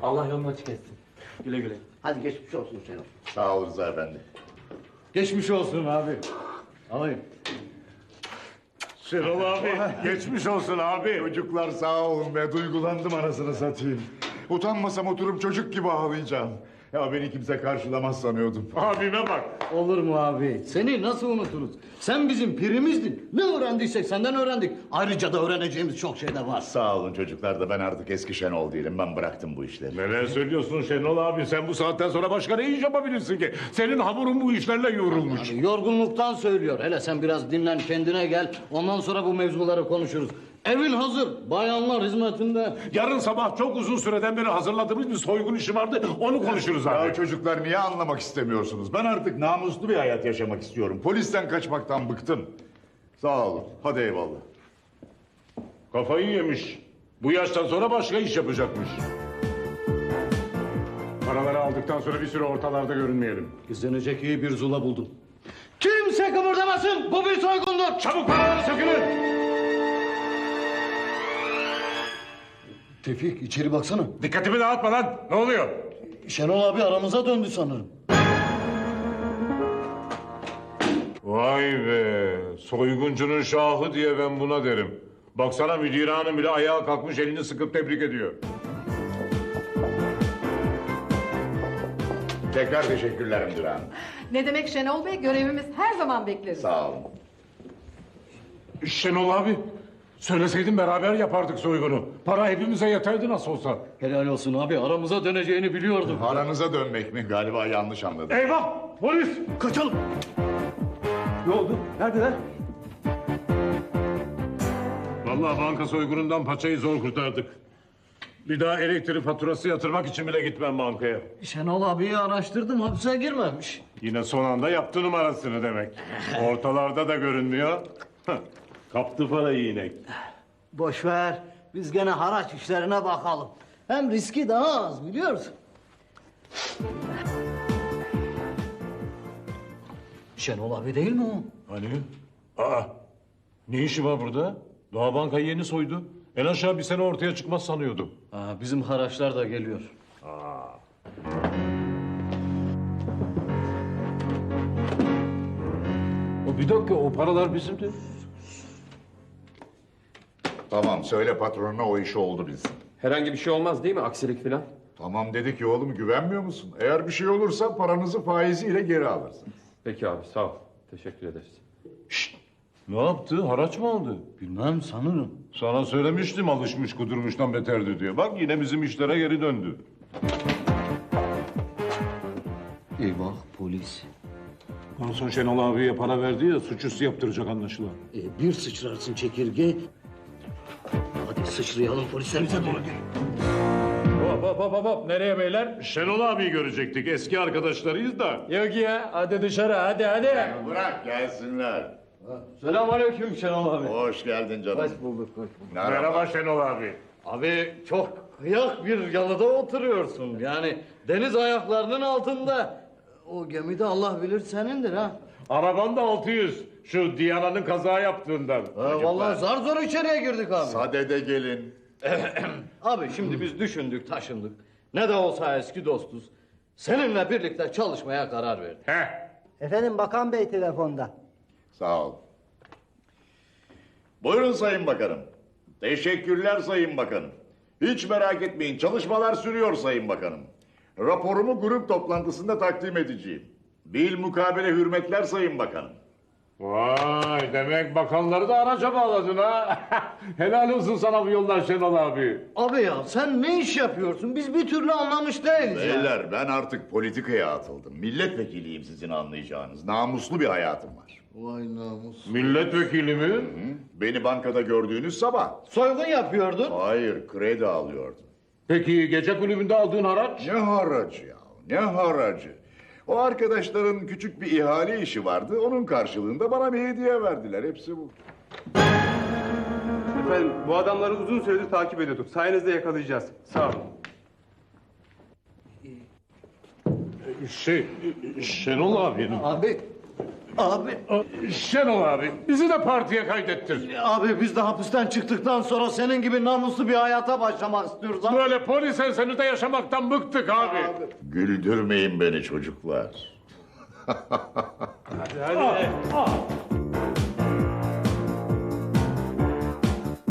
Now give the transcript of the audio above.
Allah yolunu açık etsin. Güle güle. Hadi geçmiş olsun Şenol. Sağ ol Rıza Efendi. Geçmiş olsun abi. Alayım. Şenol abi, geçmiş olsun abi. Çocuklar sağ olun be, duygulandım anasını satayım. Utanmasam oturup çocuk gibi ağlayacağım. Ya beni kimse karşılamaz sanıyordum. Abime bak. Olur mu abi? Seni nasıl unuturuz? Sen bizim pirimizdin. Ne öğrendiysek senden öğrendik. Ayrıca da öğreneceğimiz çok şey de var. Sağ olun çocuklar da ben artık eski Şenol değilim. Ben bıraktım bu işleri. Neler söylüyorsun Şenol abi? Sen bu saatten sonra başka ne iş yapabilirsin ki? Senin hamurun bu işlerle yoğrulmuş. Yani yorgunluktan söylüyor. Hele sen biraz dinlen, kendine gel. Ondan sonra bu mevzuları konuşuruz. Evin hazır. Bayanlar hizmetinde. Yarın sabah çok uzun süreden beri hazırladığımız bir soygun işi vardı. Onu konuşuruz abi. Ya çocuklar niye anlamak istemiyorsunuz? Ben artık namuslu bir hayat yaşamak istiyorum. Polisten kaçmaktan bıktım. Sağ olun. Hadi eyvallah. Kafayı yemiş. Bu yaştan sonra başka iş yapacakmış. Paraları aldıktan sonra bir süre ortalarda görünmeyelim. İzlenecek iyi bir zula buldum. Kimse kıpırdamasın. Bu bir soygundur. Çabuk paraları sökülün. Tevfik içeri baksana. Dikkatimi dağıtma lan. Ne oluyor? Şenol abi aramıza döndü sanırım. Vay be. Soyguncunun şahı diye ben buna derim. Baksana müdür hanım bile ayağa kalkmış elini sıkıp tebrik ediyor. Tekrar teşekkürler müdür hanım. Ne demek Şenol Bey? Görevimiz her zaman bekleriz. Sağ olun. Şenol abi. Söyleseydin beraber yapardık soygunu. Para hepimize yeterdi nasıl olsa. Helal olsun abi aramıza döneceğini biliyordum. Aranıza dönmek mi? Galiba yanlış anladım. Eyvah! Polis! Kaçalım. Ne oldu? Neredeler? Vallahi banka soygunundan paçayı zor kurtardık. Bir daha elektrik faturası yatırmak için bile gitmem bankaya. Şenol abiyi araştırdım hapse girmemiş. Yine son anda yaptı numarasını demek. Ortalarda da görünmüyor. Kaptı parayı inek. Boş ver. Biz gene haraç işlerine bakalım. Hem riski daha az biliyorsun. Şenol abi değil mi o? Hani? Aa! Ne işi var burada? Daha bankayı yeni soydu. En aşağı bir sene ortaya çıkmaz sanıyordum. Bizim haraçlar da geliyor. Bir dakika o paralar bizimdi. Tamam söyle patronuna o işi oldu bilsin. Herhangi bir şey olmaz değil mi? Aksilik falan. Tamam dedik ya oğlum güvenmiyor musun? Eğer bir şey olursa paranızı faiziyle geri alırsınız. Peki abi sağ ol. Teşekkür ederiz. Ne yaptı? Haraç mı aldı? Bilmem sanırım. Sana söylemiştim alışmış kudurmuştan beterdi diye. Bak yine bizim işlere geri döndü. Eyvah polis. Garson Şenol abiye para verdi ya suçüstü yaptıracak anlaşılan. Bir sıçrarsın çekirge. Hadi sıçrayalım polislerimize doğru gel. Hop. Nereye beyler? Şenol abiyi görecektik. Eski arkadaşlarıyız da. Yok ya hadi dışarı hadi. Bırak gelsinler. Selamünaleyküm Şenol abi. Hoş geldin canım. Hoş bulduk. Merhaba Şenol abi. Abi çok kıyak bir yalıda oturuyorsun. Yani deniz ayaklarının altında. O gemi de Allah bilir senindir ha. Araban da 600. Şu Diyana'nın kaza yaptığından. Vallahi zar zor içeriye girdik abi. Sadede gelin. Abi şimdi biz düşündük taşındık. Ne de olsa eski dostuz. Seninle birlikte çalışmaya karar verdik. Heh. Efendim Bakan Bey telefonda. Sağ ol. Buyurun Sayın Bakanım. Teşekkürler Sayın Bakanım. Hiç merak etmeyin çalışmalar sürüyor Sayın Bakanım. Raporumu grup toplantısında takdim edeceğim. Bil mukabele hürmetler Sayın Bakanım. Vay demek bakanları da araca bağladın ha. Helal olsun sana bu yoldan Şenol abi. Abi ya sen ne iş yapıyorsun? Biz bir türlü anlamış değiliz ya. Beyler ben artık politikaya atıldım. Milletvekiliyim sizin anlayacağınız. Namuslu bir hayatım var. Vay namus. Milletvekili mi? Beni bankada gördüğünüz sabah. Soygun yapıyordun. Hayır kredi alıyordum. Peki gece kulübünde aldığın haraç? Ne haracı ya? Ne haracı? O arkadaşların küçük bir ihale işi vardı. Onun karşılığında bana bir hediye verdiler. Hepsi bu. Efendim bu adamları uzun süredir takip ediyorduk. Sayenizde yakalayacağız. Sağ olun. Şenol abi. Abi Abi, Şenol abi bizi de partiye kaydettir. abi biz de hapisten çıktıktan sonra senin gibi namuslu bir hayata başlamak istiyoruz abi. Böyle polis ensenizde yaşamaktan bıktık abi. Güldürmeyin beni çocuklar. Hadi.